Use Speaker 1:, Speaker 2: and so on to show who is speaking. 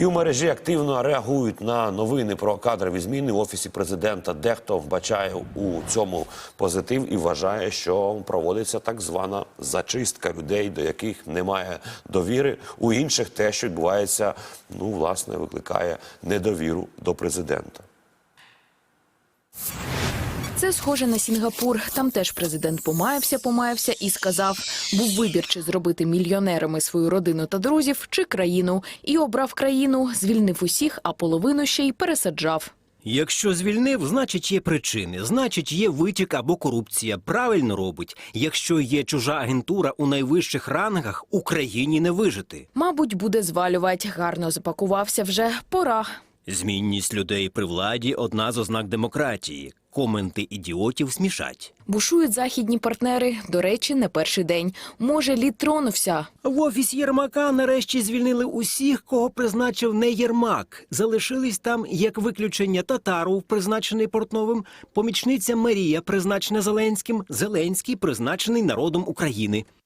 Speaker 1: І у мережі активно реагують на новини про кадрові зміни в Офісі президента. Дехто вбачає у цьому позитив і вважає, що проводиться так звана зачистка людей, до яких немає довіри. У інших те, що відбувається, власне, викликає недовіру до президента.
Speaker 2: Це схоже на Сінгапур. Там теж президент помаявся і сказав, був вибір, чи зробити мільйонерами свою родину та друзів, чи країну. І обрав країну, звільнив усіх, а половину ще й пересаджав.
Speaker 3: Якщо звільнив, значить є причини, значить є витік або корупція. Правильно робить. Якщо є чужа агентура у найвищих рангах, Україні не вижити.
Speaker 2: Мабуть, буде звалювати. Гарно запакувався вже. Пора.
Speaker 3: Змінність людей при владі – одна з ознак демократії. Коменти ідіотів смішать.
Speaker 2: Бушують західні партнери. До речі, не перший день. Може, лід тронувся.
Speaker 3: В офісі Єрмака нарешті звільнили усіх, кого призначив не Єрмак. Залишились там, як виключення, Татаров, призначений Портновим, помічниця Марія, призначена Зеленським, Зеленський, призначений народом України.